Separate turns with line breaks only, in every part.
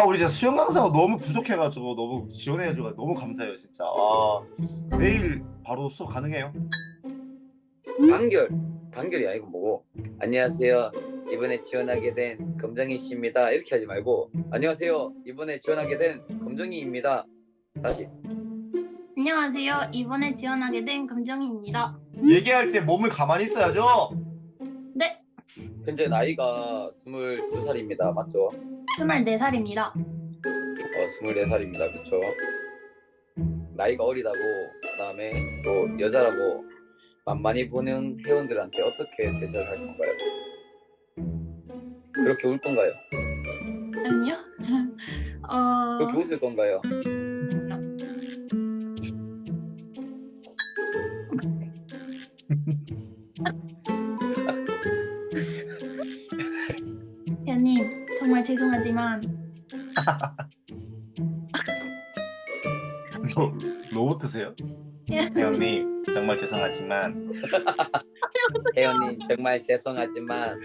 우리 진짜 수영 강사가 너무 부족해가지고 너무 지원해줘서 너무 감사해요 진짜. 내일 바로 수업 가능해요?
단결, 단결이 아니고 뭐고. 안녕하세요. 이번에 지원하게 된 검정이 씨입니다. 이렇게 하지 말고 안녕하세요. 이번에 지원하게 된 검정이입니다. 다시.
안녕하세요. 이번에 지원하게 된 금정희입니다.
얘기할 때 몸을 가만히 있어야죠.
네,
현재 나이가 22살입니다. 맞죠?
24살입니다.
24살입니다. 그쵸? 나이가 어리다고, 그다음에 또 여자라고 만만히 보는 회원들한테 어떻게 대처를 할 건가요? 그렇게 울 건가요?
아니요.
그렇게 웃을 건가요?
회원님, 정말 죄송하지만
로봇이세요? 회원님 정말 죄송하지만
혜연님 정말 죄송하지만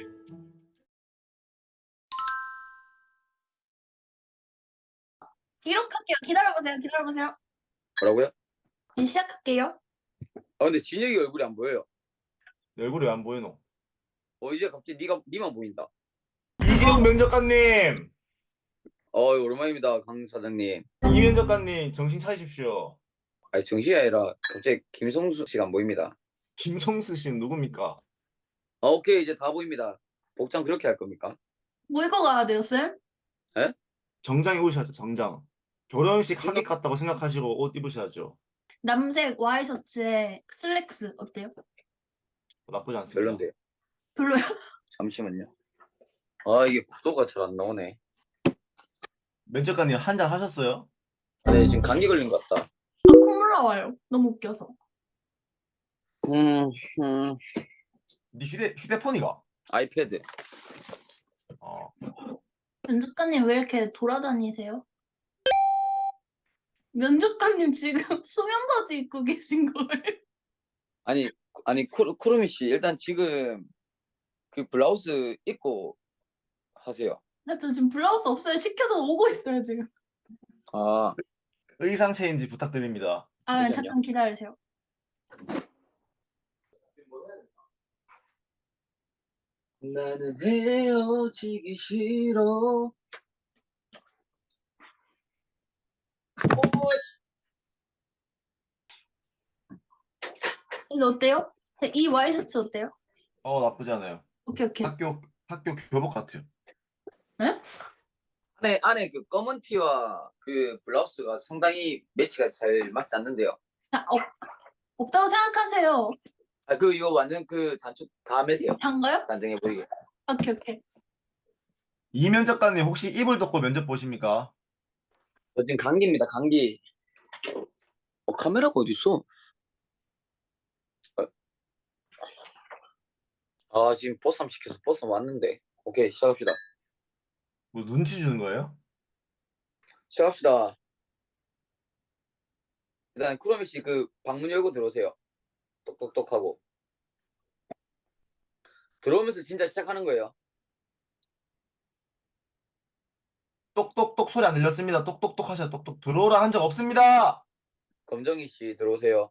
기록할게요. 기다려보세요. 기다려보세요.
뭐라고요?
이제 시작할게요.
근데 진혁이 얼굴이 안 보여요.
내 얼굴이 왜 안 보이노?
이제 갑자기 니만 보인다.
이재용 면접관님,
오랜만입니다, 강 사장님.
이 면접관님 정신 차리십시오.
아니, 정신이 아니라 갑자기 김성수 씨가 안 보입니다.
김성수 씨는 누굽니까?
오케이, 이제 다 보입니다. 복장 그렇게 할 겁니까?
뭐 입고 가야 돼요, 쌤?
에?
정장 입으셔야죠. 정장. 결혼식 하객
정장?
같다고 생각하시고 옷 입으셔야죠.
남색 와이셔츠에 슬랙스 어때요?
나쁘지 않습니다.
별론데요.
별로요?
잠시만요. 이게 구도가 잘 안 나오네.
면접관님 한 잔 하셨어요?
네, 지금 감기 걸린 것 같다.
콧물 나와요. 너무 웃겨서.
음,
네 휴대폰이가?
아이패드.
어.
면접관님 왜 이렇게 돌아다니세요? 면접관님 지금 수면 바지 입고 계신 거예요?
아니, 쿠루미 씨, 일단 지금 그 블라우스 입고 하세요.
저 지금 블라우스 없어요. 시켜서 오고 있어요, 지금.
아,
의상 체인지 부탁드립니다.
아,
잠시만요.
잠깐 기다리세요.
나는 헤어지기 싫어.
이거 어때요? 이 와이셔츠 어때요?
나쁘지 않아요.
오케이, 오케이.
학교 교복 같아요.
안에 그 검은 티와 그 블라우스가 상당히 매치가 잘 맞지 않는데요.
아, 없다고 생각하세요.
이거 완전 그 단추 다 매세요.
한가요?
단정해 보이게.
오케이, 오케이.
이 면접관님 혹시 이불 덮고 면접 보십니까?
저 지금 감기입니다, 감기. 카메라가 어디 있어? 지금 보쌈 시켜서 보쌈 왔는데. 오케이, 시작합시다.
뭐 눈치 주는 거예요?
시작합시다. 일단 쿠로미 씨 그 방문 열고 들어오세요. 똑똑똑 하고. 들어오면서 진짜 시작하는 거예요.
똑똑똑 소리 안 들렸습니다. 똑똑똑 하셔. 똑똑 들어오라 한 적 없습니다.
검정이 씨 들어오세요.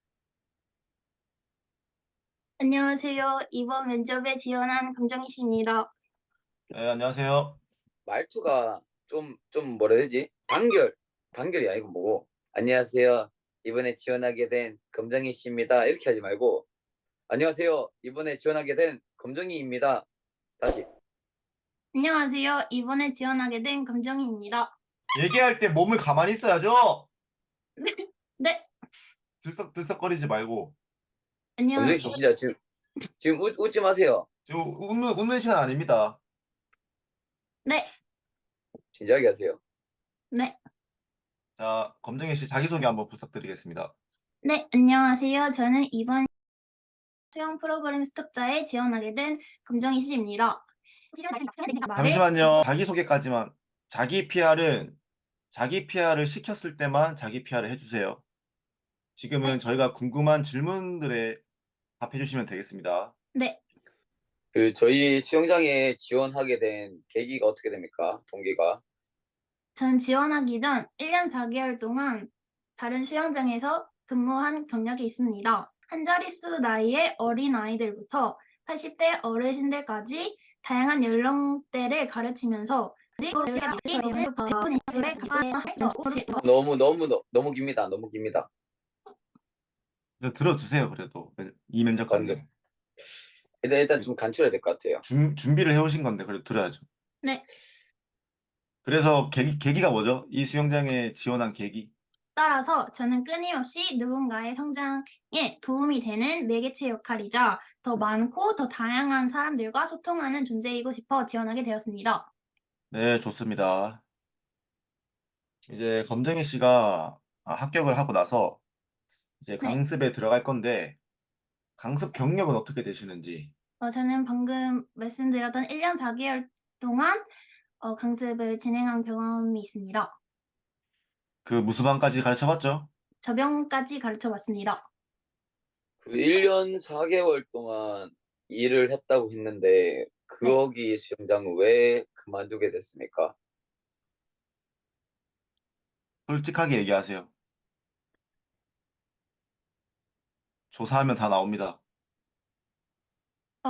안녕하세요. 이번 면접에 지원한 금정희 씨입니다.
네, 안녕하세요.
말투가 좀 뭐라 해야 되지? 단결이 아니고 뭐고. 안녕하세요. 이번에 지원하게 된 검정이 씨입니다. 이렇게 하지 말고 안녕하세요. 이번에 지원하게 된 검정이입니다. 다시.
안녕하세요. 이번에 지원하게 된 금정희입니다.
얘기할 때 몸을 가만히 있어야죠.
네,
들썩들썩거리지 말고.
검정이
안녕하세요.
씨 진짜 지금 웃지 마세요.
지금 웃는 시간 아닙니다.
네,
진지하게 하세요.
네.
자, 검정희 씨 자기소개 한번 부탁드리겠습니다.
네, 안녕하세요. 저는 이번 수영 프로그램 스톱자에 지원하게 된 금정희 씨입니다.
잠시만요. 자기소개까지만. 자기 PR을 시켰을 때만 자기 PR을 해주세요. 지금은 저희가 궁금한 질문들에 답해 주시면 되겠습니다.
네,
저희 수영장에 지원하게 된 계기가 어떻게 됩니까? 동기가?
전 지원하기 전 1년 4개월 동안 다른 수영장에서 근무한 경력이 있습니다. 한 자릿수 나이의 어린 아이들부터 80대 어르신들까지 다양한 연령대를 가르치면서
너무 깁니다. 너무 깁니다.
들어주세요, 그래도. 이 면접관님.
일단 좀 간추려야 될 것 같아요.
준비를 해오신 건데, 그래도 들어야죠.
네,
그래서 계기가 뭐죠? 이 수영장에 지원한 계기?
따라서 저는 끊임없이 누군가의 성장에 도움이 되는 매개체 역할이자 더 많고 더 다양한 사람들과 소통하는 존재이고 싶어 지원하게 되었습니다.
네, 좋습니다. 이제 검정희 씨가 합격을 하고 나서 이제
네,
강습에 들어갈 건데, 강습 경력은 어떻게 되시는지.
저는 방금 말씀드렸던 1년 4개월 동안 강습을 진행한 경험이 있습니다.
그 무수반까지 가르쳐봤죠?
접영까지 가르쳐 봤습니다.
그 1년 4개월 동안 일을 했다고 했는데
네.
거기 수영장은 왜 그만두게 됐습니까?
솔직하게 얘기하세요. 조사하면 다 나옵니다.
어,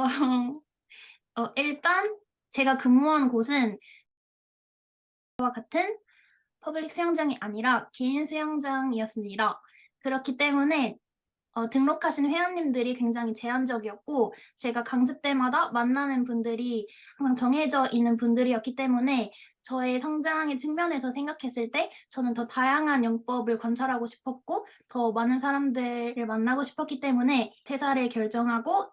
일단 제가 근무한 곳은 와 같은 퍼블릭 수영장이 아니라 개인 수영장이었습니다. 그렇기 때문에 등록하신 회원님들이 굉장히 제한적이었고 제가 강습 때마다 만나는 분들이 항상 정해져 있는 분들이었기 때문에 저의 성장의 측면에서 생각했을 때 저는 더 다양한 영법을 관찰하고 싶었고 더 많은 사람들을 만나고 싶었기 때문에 퇴사를 결정하고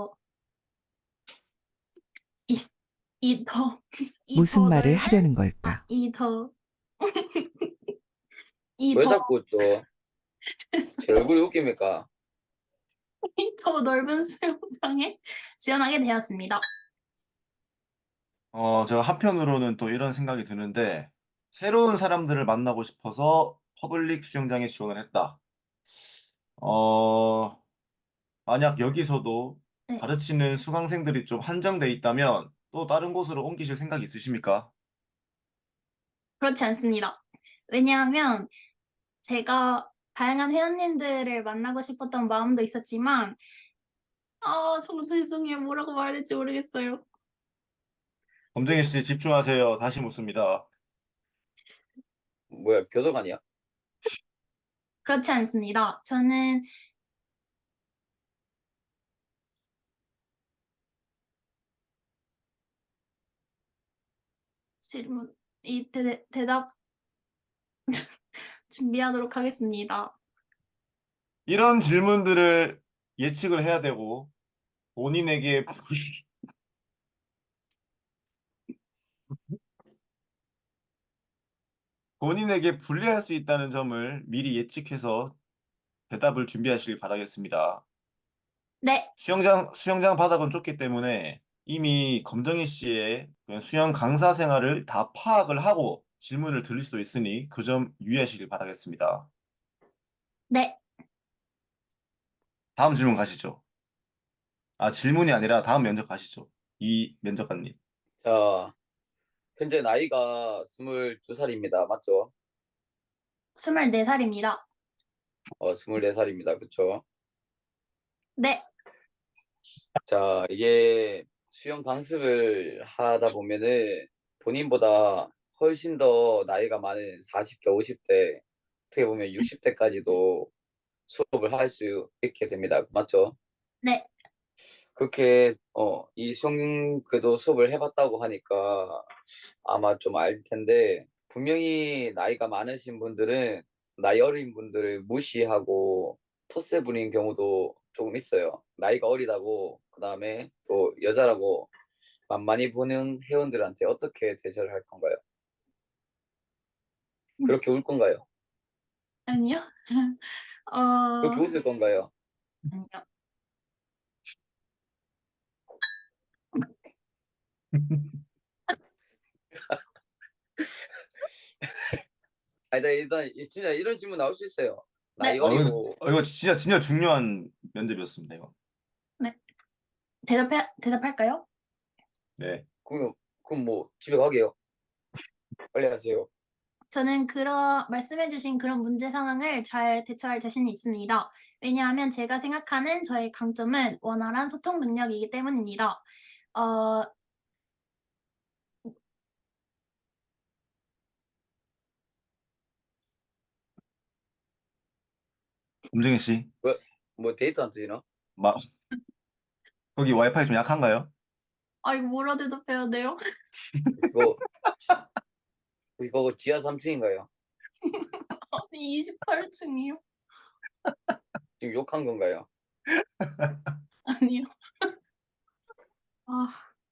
이, 이 더, 이
무슨
더
말을
넓은,
하려는 걸까?
이 더, 이
왜
더,
자꾸 제 얼굴이 웃깁니까?
이 더 넓은 수영장에 지원하게 되었습니다.
제가 한편으로는 또 이런 생각이 드는데, 새로운 사람들을 만나고 싶어서 퍼블릭 수영장에 지원을 했다. 어, 만약 여기서도
네,
가르치는 수강생들이 좀 한정돼 있다면 또 다른 곳으로 옮기실 생각 있으십니까?
그렇지 않습니다. 왜냐하면 제가 다양한 회원님들을 만나고 싶었던 마음도 있었지만, 정말 죄송해요. 뭐라고 말해야 될지 모르겠어요.
검정희 씨 집중하세요. 다시 묻습니다.
뭐야, 교도관이야?
그렇지 않습니다. 저는 질문, 대답 준비하도록 하겠습니다.
이런 질문들을 예측을 해야 되고 본인에게 본인에게 불리할 수 있다는 점을 미리 예측해서 대답을 준비하시길 바라겠습니다.
네,
수영장 바닥은 좁기 때문에 이미 검정희 씨의 그 수영 강사 생활을 다 파악을 하고 질문을 드릴 수도 있으니 그 점 유의하시길 바라겠습니다.
네.
다음 질문 가시죠. 질문이 아니라 다음 면접 가시죠. 이 면접관님.
자, 현재 나이가 22살입니다. 맞죠?
24살입니다.
24살입니다. 그쵸?
네,
자, 이게 수영 강습을 하다 보면은 본인보다 훨씬 더 나이가 많은 40대, 50대, 어떻게 보면 60대까지도 수업을 할 수 있게 됩니다. 맞죠?
네,
그렇게 이 수영 그래도 수업을 해봤다고 하니까 아마 좀 알 텐데 분명히 나이가 많으신 분들은 나이 어린 분들을 무시하고 텃세 부리는 경우도 조금 있어요. 나이가 어리다고 그다음에 또 여자라고 만만히 보는 회원들한테 어떻게 대처를 할 건가요? 그렇게 울 건가요?
아니요.
그렇게 웃을 건가요?
아니요.
아니, 나 일단 진짜 이런 질문 나올 수 있어요. 나이
네,
어리고
이거 진짜 중요한 면접이었습니다, 이거.
네. 대답할까요?
네.
그럼 뭐 집에 가게요. 빨리 하세요.
저는 말씀해주신 그런 문제 상황을 잘 대처할 자신이 있습니다. 왜냐하면 제가 생각하는 저의 강점은 원활한 소통 능력이기 때문입니다. 어,
검정희 씨,
뭐 데이트 안 터지나?
마, 거기 와이파이 좀 약한가요?
이거 뭐라 대답해야 돼요?
이거 이거 지하 3층인가요?
아니, 28층이요?
지금 욕한 건가요?
아니요. 아,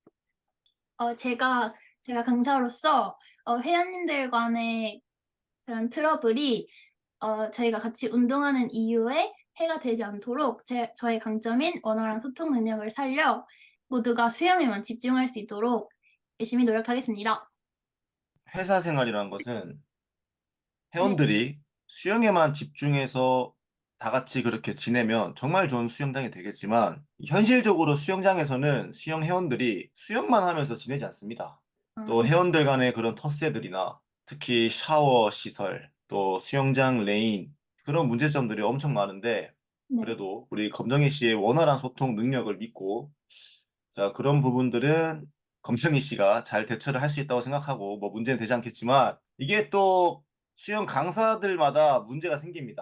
제가 강사로서 회원님들 간의 그런 트러블이 저희가 같이 운동하는 이유에 해가 되지 않도록 저의 강점인 원활한 소통 능력을 살려 모두가 수영에만 집중할 수 있도록 열심히 노력하겠습니다.
회사 생활이라는 것은
네,
회원들이 수영에만 집중해서 다 같이 그렇게 지내면 정말 좋은 수영장이 되겠지만 현실적으로 수영장에서는 수영 회원들이 수영만 하면서 지내지 않습니다. 또
아,
회원들 간의 그런 텃세들이나 특히 샤워 시설, 또 수영장 레인 그런 문제점들이 엄청 많은데
네.
그래도 우리 검정희 씨의 원활한 소통 능력을 믿고 자, 그런 부분들은 검정희 씨가 잘 대처를 할 수 있다고 생각하고 뭐 문제는 되지 않겠지만 이게 또 수영 강사들마다 문제가 생깁니다.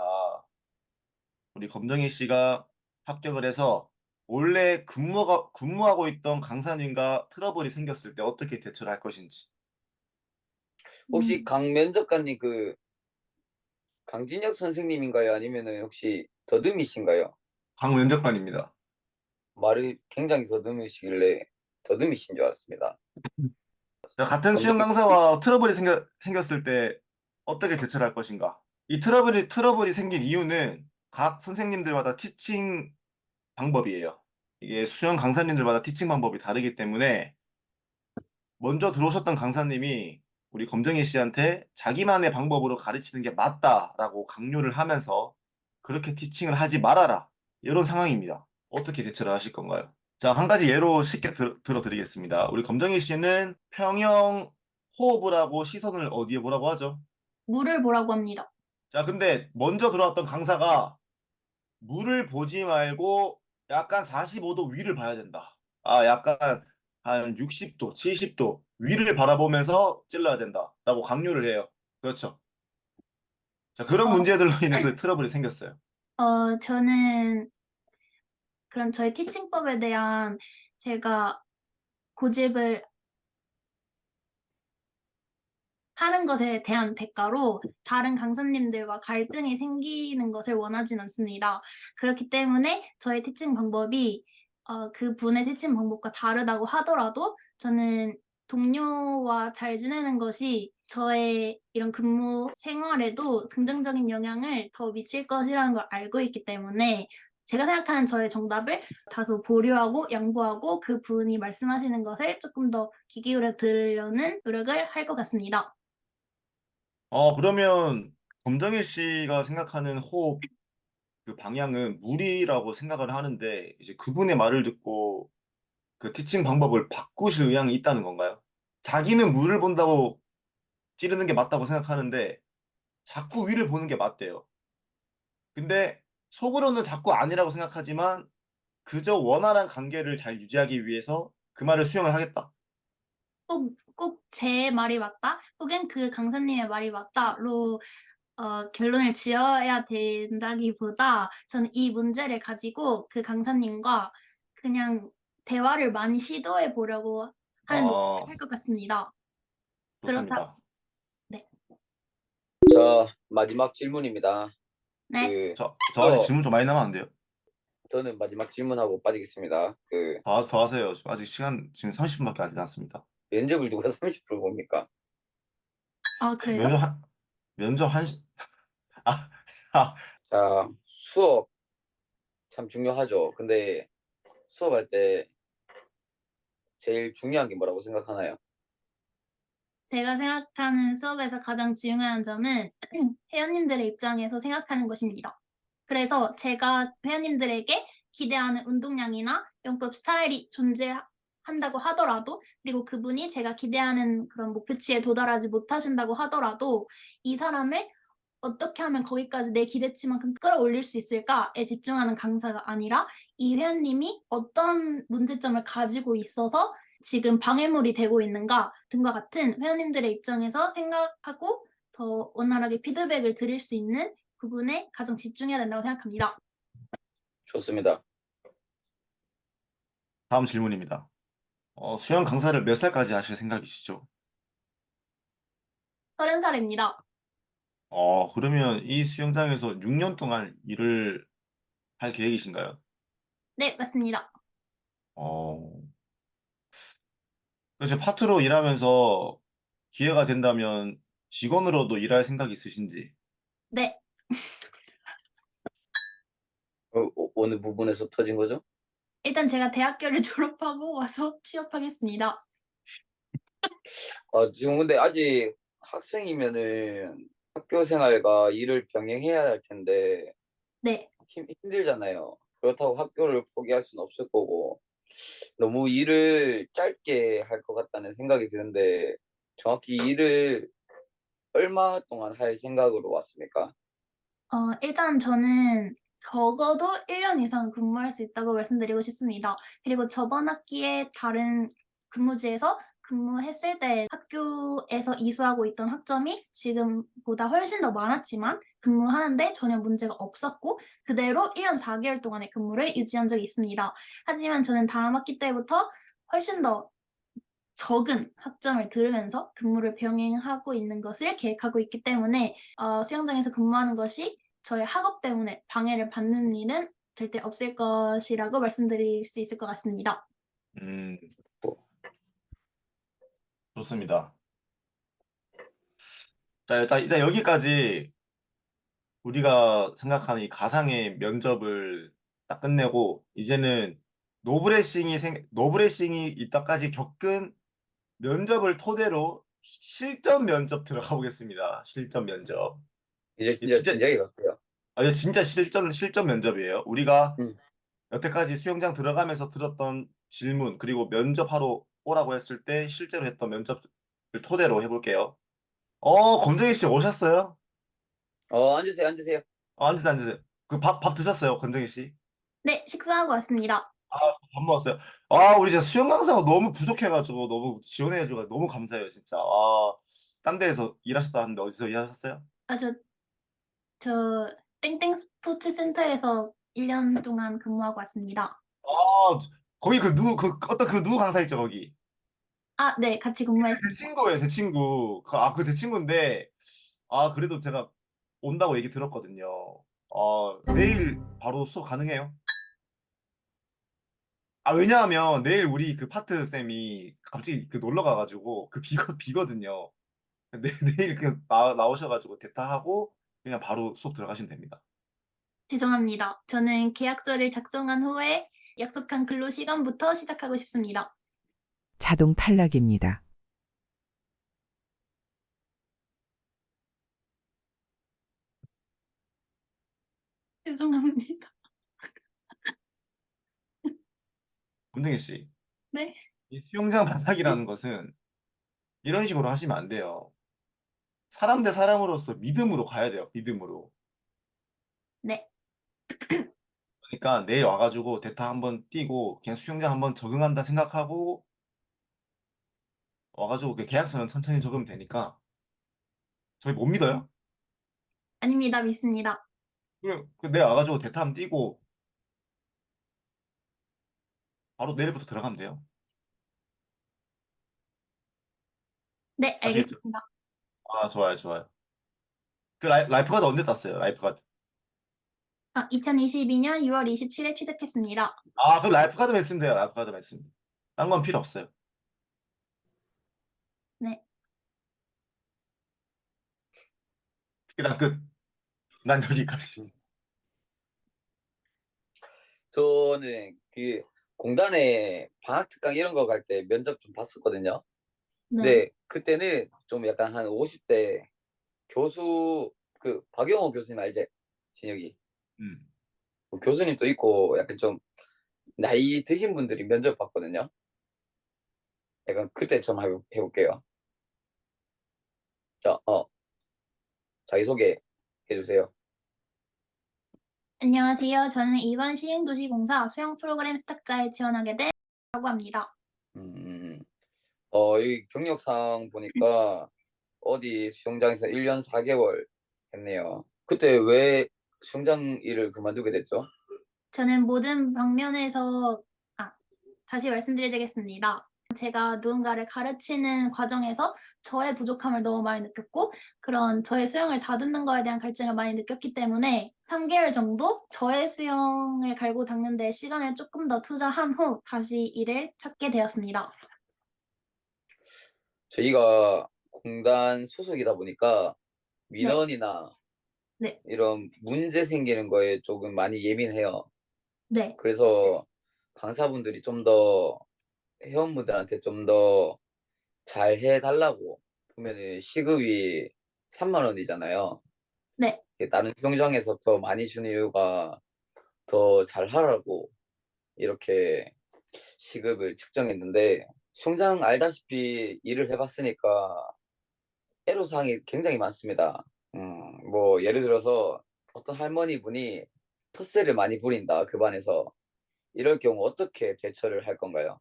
우리 검정희 씨가 합격을 해서 원래 근무하고 있던 강사님과 트러블이 생겼을 때 어떻게 대처를 할 것인지.
혹시
음,
강면접관님 그 강진혁 선생님인가요? 아니면은 혹시 더듬이신가요?
강면접관입니다.
말이 굉장히 더듬으시길래 더듬이신 줄 알았습니다.
자, 같은 수영
검정이
강사와 트러블이 생겼을 때 어떻게 대처를 할 것인가? 이 트러블이 생긴 이유는 각 선생님들마다 티칭 방법이에요. 이게 수영 강사님들마다 티칭 방법이 다르기 때문에 먼저 들어오셨던 강사님이 우리 검정희 씨한테 자기만의 방법으로 가르치는 게 맞다라고 강요를 하면서 그렇게 티칭을 하지 말아라. 이런 상황입니다. 어떻게 대처를 하실 건가요? 자, 한 가지 예로 쉽게 들어드리겠습니다. 우리 검정희 씨는 평형 호흡을 하고 시선을 어디에 보라고 하죠?
물을 보라고 합니다.
자, 근데 먼저 들어왔던 강사가 물을 보지 말고 약간 45도 위를 봐야 된다. 약간 한 60도, 70도 위를 바라보면서 찔러야 된다라고 강요를 해요. 그렇죠. 자, 그런
어,
문제들로 인해서 트러블이 생겼어요.
저는 그런 저의 티칭법에 대한 제가 고집을 하는 것에 대한 대가로 다른 강사님들과 갈등이 생기는 것을 원하진 않습니다. 그렇기 때문에 저의 티칭 방법이 그 분의 티칭 방법과 다르다고 하더라도 저는 동료와 잘 지내는 것이 저의 이런 근무 생활에도 긍정적인 영향을 더 미칠 것이라는 걸 알고 있기 때문에 제가 생각하는 저의 정답을 다소 보류하고 양보하고 그 분이 말씀하시는 것을 조금 더 귀 기울여 들으려는 노력을 할 것 같습니다.
그러면 검정일 씨가 생각하는 호흡 그 방향은 물이라고 생각을 하는데 이제 그분의 말을 듣고 그 티칭 방법을 바꾸실 의향이 있다는 건가요? 자기는 물을 본다고 찌르는 게 맞다고 생각하는데 자꾸 위를 보는 게 맞대요. 근데 속으로는 자꾸 아니라고 생각하지만 그저 원활한 관계를 잘 유지하기 위해서 그 말을 수용을 하겠다.
꼭 제 말이 맞다? 혹은 그 강사님의 말이 맞다로 결론을 지어야 된다기보다 저는 이 문제를 가지고 그 강사님과 그냥 대화를 많이 시도해 보려고 하는 노력을
어,
할 것 같습니다. 그렇다.
좋습니다.
네.
자, 마지막 질문입니다.
네.
그
저 아직
수업
질문 좀 많이 남았는데요.
저는 마지막 질문하고 빠지겠습니다. 그
더 하세요. 아직 시간 지금 30분밖에 안 지났습니다.
면접을 누가 30분 봅니까?
아, 그래요?
면접 한, 면접 한, 아, 아,
자, 수업 참 중요하죠. 근데 수업할 때 제일 중요한 게 뭐라고 생각하나요?
제가 생각하는 수업에서 가장 중요한 점은 회원님들의 입장에서 생각하는 것입니다. 그래서 제가 회원님들에게 기대하는 운동량이나 영법 스타일이 존재하고 한다고 하더라도, 그리고 그분이 제가 기대하는 그런 목표치에 도달하지 못하신다고 하더라도 이 사람을 어떻게 하면 거기까지 내 기대치만큼 끌어올릴 수 있을까에 집중하는 강사가 아니라 이 회원님이 어떤 문제점을 가지고 있어서 지금 방해물이 되고 있는가 등과 같은 회원님들의 입장에서 생각하고 더 원활하게 피드백을 드릴 수 있는 부분에 가장 집중해야 된다고 생각합니다.
좋습니다.
다음 질문입니다. 수영 강사를 몇 살까지 하실 생각이시죠?
30살입니다.
그러면 이 수영장에서 6년 동안 일을 할 계획이신가요?
네, 맞습니다.
어, 그래서 파트로 일하면서 기회가 된다면 직원으로도 일할 생각이 있으신지?
네,
어느 부분에서 터진 거죠?
일단 제가 대학교를 졸업하고 와서 취업하겠습니다.
지금 근데 아직 학생이면은 학교 생활과 일을 병행해야 할 텐데
네.
힘들잖아요. 그렇다고 학교를 포기할 수는 없을 거고 너무 일을 짧게 할 것 같다는 생각이 드는데 정확히 일을 얼마 동안 할 생각으로 왔습니까?
일단 저는 적어도 1년 이상 근무할 수 있다고 말씀드리고 싶습니다. 그리고 저번 학기에 다른 근무지에서 근무했을 때 학교에서 이수하고 있던 학점이 지금보다 훨씬 더 많았지만 근무하는데 전혀 문제가 없었고 그대로 1년 4개월 동안의 근무를 유지한 적이 있습니다. 하지만 저는 다음 학기 때부터 훨씬 더 적은 학점을 들으면서 근무를 병행하고 있는 것을 계획하고 있기 때문에 수영장에서 근무하는 것이 저의 학업 때문에 방해를 받는 일은 절대 없을 것이라고 말씀드릴 수 있을 것 같습니다.
음, 좋습니다. 자, 일단 여기까지 우리가 생각하는 이 가상의 면접을 딱 끝내고 이제는 노브레싱이 이따까지 겪은 면접을 토대로 실전 면접 들어가 보겠습니다. 실전 면접.
이제
이게
진짜
진짜
진작에 갔어요.
이게 진짜 실전 면접이에요. 우리가
음.
여태까지 수영장 들어가면서 들었던 질문 그리고 면접하러 오라고 했을 때 실제로 했던 면접을 토대로 해볼게요. 권정희 씨 오셨어요?
앉으세요, 앉으세요.
앉으세요, 앉으세요. 그 밥 드셨어요, 권정희 씨?
네, 식사하고 왔습니다.
아, 밥 먹었어요. 우리 진짜 수영 강사가 너무 부족해가지고 너무 지원해가지고 너무 감사해요, 진짜. 딴 데에서 일하셨다 하는데 어디서 일하셨어요?
아, 저 땡땡 스포츠 센터에서 1년 동안 근무하고 왔습니다.
거기 어떤 그 누구 강사 있죠, 거기?
아, 네, 같이
제
근무했습니다.
친구예요, 제 친구. 그 제 친구인데, 그래도 제가 온다고 얘기 들었거든요. 내일 바로 수업 가능해요? 왜냐하면 내일 우리 그 파트 쌤이 갑자기 그 놀러 가가지고 비거든요. 내일 그냥 나오셔가지고 대타하고 그냥 바로 수업 들어가시면 됩니다.
죄송합니다. 저는 계약서를 작성한 후에 약속한 근로 시간부터 시작하고 싶습니다.
자동 탈락입니다.
죄송합니다.
문등희 씨,
네.
이 수영장 바삭이라는 것은 이런 식으로 하시면 안 돼요. 사람 대 사람으로서 믿음으로 가야 돼요. 믿음으로.
네.
그러니까 내일 와가지고 대타 한번 뛰고 그냥 수영장 한번 적응한다 생각하고 와가지고 그 계약서는 천천히 적으면 되니까 저희 못 믿어요?
아닙니다. 믿습니다.
내일 와가지고 대타 한번 뛰고 바로 내일부터 들어가면 돼요.
네,
아시겠죠?
알겠습니다.
좋아요, 좋아요. 그 라이프가드 언제 땄어요? 라이프가드.
2022년 6월 27일 취득했습니다.
그럼 라이프가드만 있으면 돼요. 라이프가드만 있으면. 딴 건 필요 없어요.
네.
그냥 끝. 난 여기까지.
저는 그 공단에 방학 특강 이런 거 갈 때 면접 좀 봤었거든요.
네.
근데 그때는 좀 약간 한 50대 교수 그 박영호 교수님 알지? 진혁이.
음.
그 교수님도 있고 약간 좀 나이 드신 분들이 면접 봤거든요. 약간 그때처럼 해볼게요. 자, 자기소개 해주세요.
안녕하세요. 저는 이번 시흥도시공사 수영 프로그램 스탁자에 지원하게 된라고 합니다.
음, 이 경력상 보니까 어디 수영장에서 1년 4개월 했네요. 그때 왜 수영장 일을 그만두게 됐죠?
저는 모든 방면에서 다시 말씀드리겠습니다. 제가 누군가를 가르치는 과정에서 저의 부족함을 너무 많이 느꼈고 그런 저의 수영을 다듬는 거에 대한 갈증을 많이 느꼈기 때문에 3개월 정도 저의 수영을 갈고 닦는 데 시간을 조금 더 투자한 후 다시 일을 찾게 되었습니다.
저희가 공단 소속이다 보니까
네,
민원이나
네,
이런 문제 생기는 거에 조금 많이 예민해요.
네.
그래서 강사분들이 좀 더 회원분들한테 좀 더 잘 해달라고 보면은 시급이 3만 원이잖아요.
네.
다른 수영장에서 더 많이 주는 이유가 더 잘하라고 이렇게 시급을 측정했는데 수영장 알다시피 일을 해봤으니까 애로사항이 굉장히 많습니다. 뭐 예를 들어서 어떤 할머니 분이 텃세를 많이 부린다 그 반에서 이럴 경우 어떻게 대처를 할 건가요?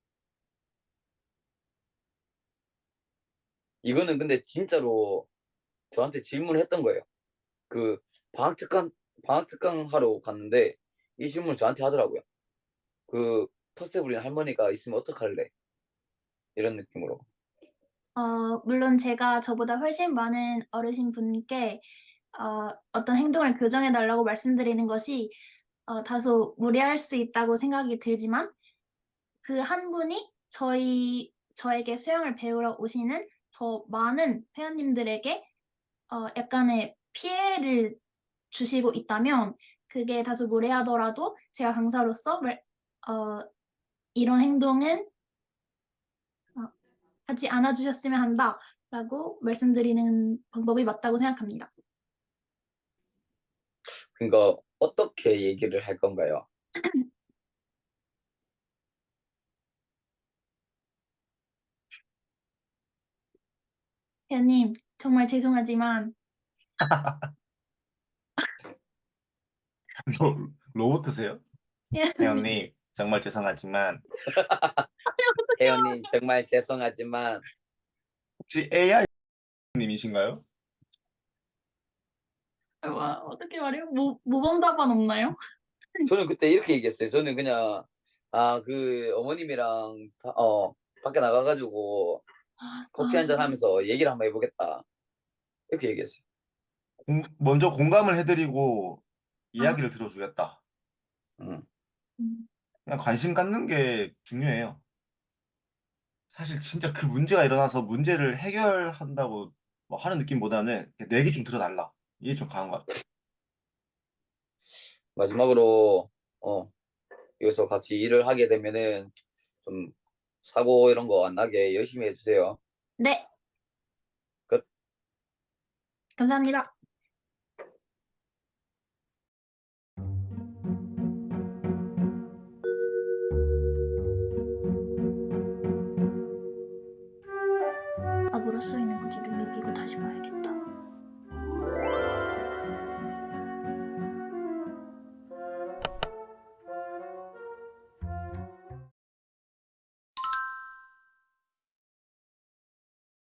이거는 근데 진짜로 저한테 질문을 했던 거예요. 그 방학 특강 하러 갔는데 이 질문을 저한테 하더라고요. 그 텃세 부리는 할머니가 있으면 어떡할래? 이런 느낌으로.
물론 제가 저보다 훨씬 많은 어르신 분께 어떤 행동을 교정해 달라고 말씀드리는 것이 다소 무리할 수 있다고 생각이 들지만 그 한 분이 저에게 수영을 배우러 오시는 더 많은 회원님들에게 약간의 피해를 주시고 있다면 그게 다소 무례하더라도 제가 강사로서 어, 이런 행동은 하지 않아 주셨으면 한다라고 말씀드리는 방법이 맞다고 생각합니다.
그러니까 어떻게 얘기를 할 건가요?
회원님, 정말 죄송하지만
로봇이세요?
회원님,
회원님, 정말 죄송하지만
혜연님 정말 죄송하지만
혹시 AI님이신가요?
어떻게 말해요? 모범 답안 없나요?
저는 그때 이렇게 얘기했어요. 저는 그냥 그 어머님이랑 밖에 나가가지고 커피 한잔 하면서 얘기를 한번 해보겠다. 이렇게 얘기했어요.
먼저 공감을 해드리고
아,
이야기를 들어주겠다.
음.
음,
그냥 관심 갖는 게 중요해요. 사실 진짜 그 문제가 일어나서 문제를 해결한다고 뭐 하는 느낌보다는 내 얘기 좀 들어달라. 이게 좀 강한 것 같아.
마지막으로 여기서 같이 일을 하게 되면은 좀 사고 이런 거 안 나게 열심히 해주세요.
네,
끝.
감사합니다.